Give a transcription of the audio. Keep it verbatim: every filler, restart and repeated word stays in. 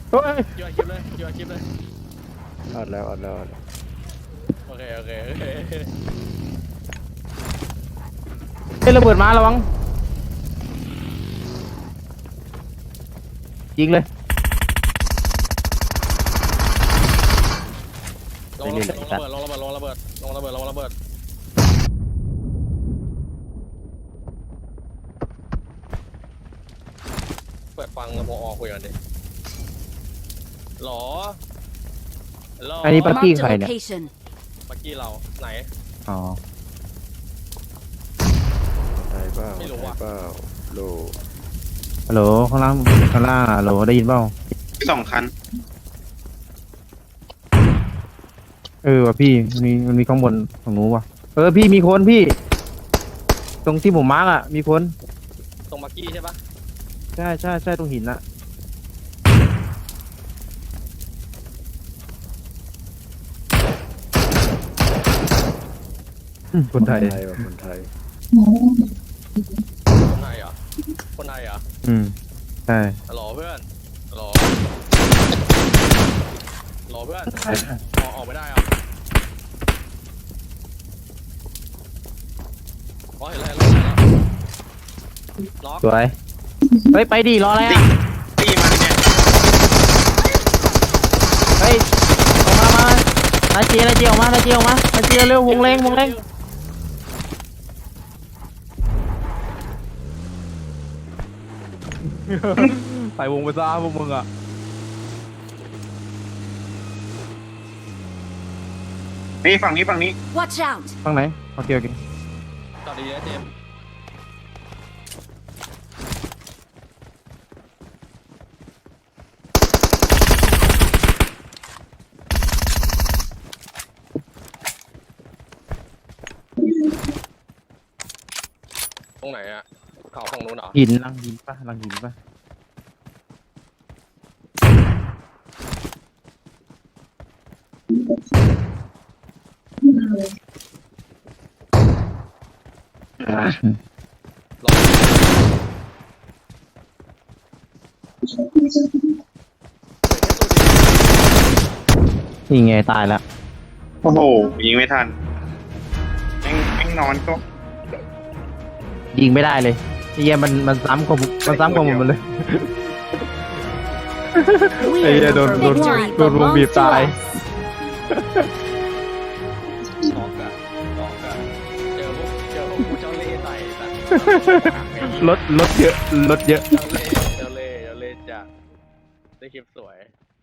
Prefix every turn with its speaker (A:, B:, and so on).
A: เฮ้ย
B: อยู่อาคลิปเลยอยู่อาคลิปเลย
A: อัดแล้วอัดแล้วอัดแล้ว
B: โอเคโอเคโอเค
A: เฮ้ยระเบิดมาระวังยิงเลย
B: ลงระเบิดลงระเบิดลงระเบิดลงระเบิดลงระเบิดลงระเบิดเปิดฟังพอคุยกันดิหรอหรอ
A: อันนี้ปักกี้
C: Marked
A: ใคร
C: a
A: เนี่ย
C: location.
B: ปักกี้เราไหน
A: อ๋อไทยเปล่า
B: ไม่รู้ว่ะ
A: ไทยเปล่าโลฮัลโหลข้างล่างข้างล่างฮัลโหลได้ยินเปล่า
D: สองคัน
A: เออว่ะพี่มันมีมันมีข้างบนของหนูว่ะเออพี่มีคนพี่ ตรงที่ผมมาร์กอ่ะมีคน
B: ตรงปักกี้ใช่ปะ
A: ใช่ใช่ใช่ตรงหินอ่ะอืมคนไทยว่ะคนไทย
B: คนไทยเหรอคนไทยเหรอ
A: อืมใช่
B: หรอเพื่อนหรอหรอเพื่อนออกออกไม่ได้เหรออ๋อเห็นแล้วเห็นแล้วเห็นแล้วล็อก
A: สวยเฮ้ยไปดิรออะไร
D: ตี
A: อ่ะ
D: ตีมันเนี่ย
A: เฮ้ยออกมามานาเจียนาเจียออกมานาเจียออกมานาเจียเร็ววงแรงวงแรงใส่วงไปซะพวกมึงอ่ะ
D: นี่ฝั่งนี้ฝั่งนี้
C: Watch out!
A: ฝั่งไหนโอเคโอเค
B: ต่อดีนะเจมส์ตรงไหนอะเขาฝั่งนู้นเหรอ
A: หินลังหินปะลังหินปะอ่ะ
B: ลอง
A: นี่ไงตายแล้ว
D: โอ้โหยิงไม่ทันแม่งแม่งนอนก็
A: ยิงไม่ได้เลยไอ้เหี้ยมันมันซ้ำกว่าผมมันซ้ำกว่าผมหมดเลย
C: We
A: Ê,
C: are
A: đồn-
C: the
A: đồn-
C: victory
A: đồn- đồn
C: belongs
A: bịp
C: to
A: tài.
C: us.
B: ล็อกอะล็อกอะเจอพวกเจอพวกผู้เจ้าเล่ห์ใส่สัตว์
A: รถรถเยอะรถเยอะ
B: เจ้าเล่ห์เจ้าเล่ห์เจ้าเล่ห์จัดได้คลิปสวย